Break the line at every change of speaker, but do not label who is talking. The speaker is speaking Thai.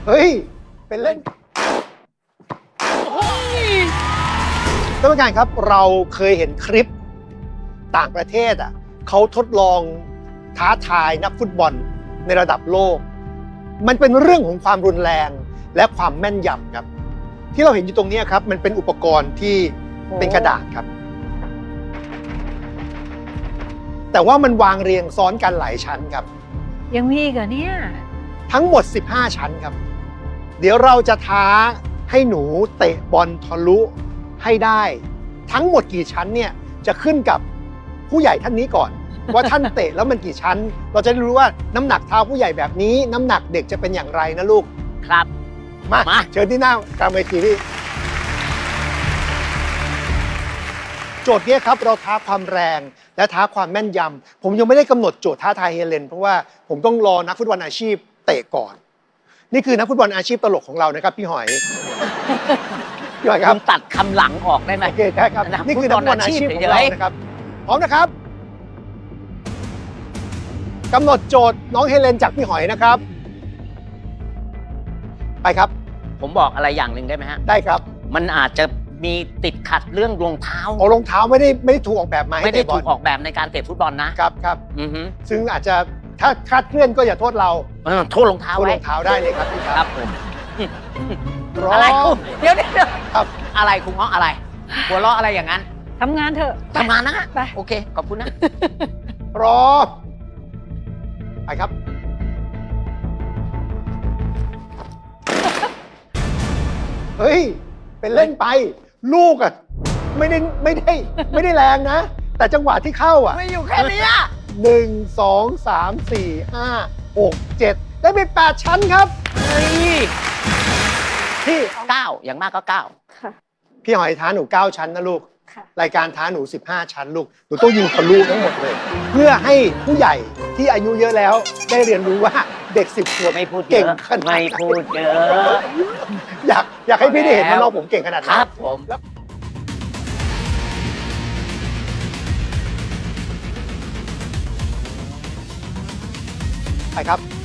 เฮ้ย เป็นเล่นท่านผู้การครับเราเคยเห็นคลิปต่างประเทศเขาทดลองท้าทายนักฟุตบอลในระดับโลก มันเป็นเรื่องของความรุนแรงและความแม่นยำครับที่เราเห็นอยู่ตรงนี้ครับมันเป็นอุปกรณ์ที่เป็นกระดาษครับแต่ว่ามันวางเรียงซ้อนกันหลายชั้นครับ
ยังมีอีกเหรอเนี่ย
ทั้งหมด15ชั้นครับเดี๋ยวเราจะท้าให้หนูเตะบอลทะลุให้ได้ทั้งหมดกี่ชั้นเนี่ยจะขึ้นกับผู้ใหญ่ท่านนี้ก่อน ว่าท่านเตะแล้วมันกี่ชั้นเราจะได้รู้ว่าน้ำหนักเท้าผู้ใหญ่แบบนี้น้ำหนักเด็กจะเป็นอย่างไรนะลูก
ครับ
มาเชิญที่หน้ากลางเวทีพี่โจทย์นี้ครับเราท้าความแรงและท้าความแม่นยำผมยังไม่ได้กำหนดโจทย์ท้าทายเฮเลนเพราะว่าผมต้องรอนักฟุตบอลอาชีพเตะก่อนนี่คือนักฟุตบอลอาชีพตลกของเรานะครับพี่หอยพี่หอยครับ
ตัดคำหลังออกได้ไหม
โอเคได้ครับนี่คือนักฟุตบอลอาชีพของเรานะครับพร้อมนะครับกำหนดโจทย์น้องเฮเลนจากพี่หอยนะครับไปครับ
ผมบอกอะไรอย่างหนึ่งได้ไหมฮะ
ได้ครับ
มันอาจจะมีติดขัดเรื่องรองเท้า
โอ้รองเท้าไม่ได้ถูกออกแบบมา
ไม่ได้ถูกออกแบบในการเตะฟุตบอลนะครับ
ครับซึ่งอาจจะถ้าคลาดเคลื่อนก็อย่าโทษเรา
โทษรองเท้า
โทษรองเท้าได้เลยครับพี่
ครับผม
อะไร
เดี๋ยวครับอะไรคุณง้ออะไรหัวเราะอะไรอย่างนั้น
ทำงานเถอะ
ทำงานนะฮะ
ไป
โอเคขอบคุณนะ
พร้อมไปครับเฮ้ยเป็นเล่นไปลูกไม่ได้แรงนะแต่จังหวะที่เข้า
ไม่อยู่แค่นี้
1 2 3 4 5 6 7ได้ไป8ชั้นครับพี่
9อย่างมากก็9
ค่ะ
พี่หอยท้าหนู9ชั้นนะลูกรายการท้าหนู15ชั้นลูกหนูต้องยิงทะลุทั้งหมดเลยเพื่อให้ผู้ใหญ่ที่อายุเยอะแล้วได้เรียนรู้ว่าเด็ก10 ขวบ
ไม่พูด
เก่งขนาด
ไม่พูดเยอะ
อยากให้พี่ได้เห็นว่าน้องผมเก่งขนาดไหน
ครับผม
ไปครับ